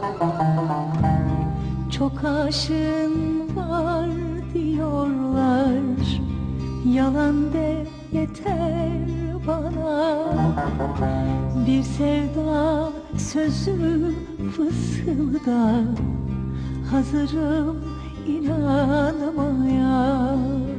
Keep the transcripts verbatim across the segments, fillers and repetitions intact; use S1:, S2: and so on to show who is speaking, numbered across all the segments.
S1: Çok aşığın var diyorlar, yalan de yeter bana. Bir sevda sözü fısılda, hazırım inanmaya.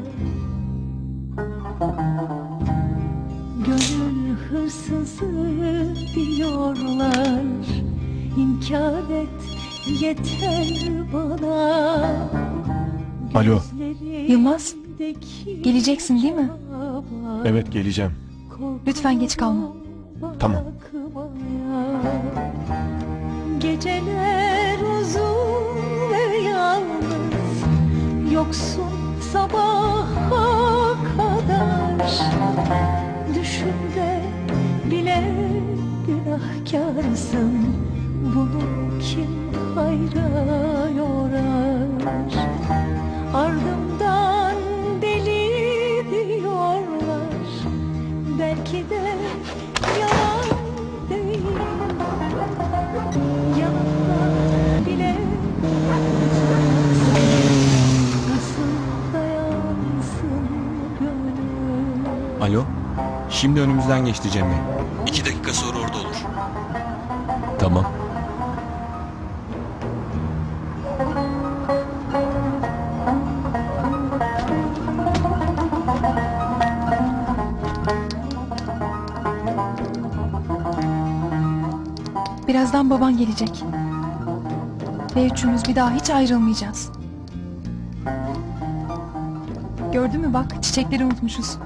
S1: Gönül hırsızı diyorlar, inkar et yeter bana.
S2: Alo.
S3: Yılmaz, geleceksin değil mi?
S2: Evet, geleceğim.
S3: Lütfen geç kalma.
S2: Tamam.
S1: Geceler uzun ve yalnız, yoksun sabaha kadar. Düşümde bile günahkarsın, bunu kim hayra yorar? Ardımdan deli diyorlar, belki de yalan değil. Yanımda bile nasıl dayansın gönül?
S4: Alo, şimdi önümüzden geçti Cemre. İki dakika sonra orada olur.
S2: Tamam.
S3: Birazdan baban gelecek. Ve üçümüz bir daha hiç ayrılmayacağız. Gördün mü bak, çiçekleri unutmuşuz.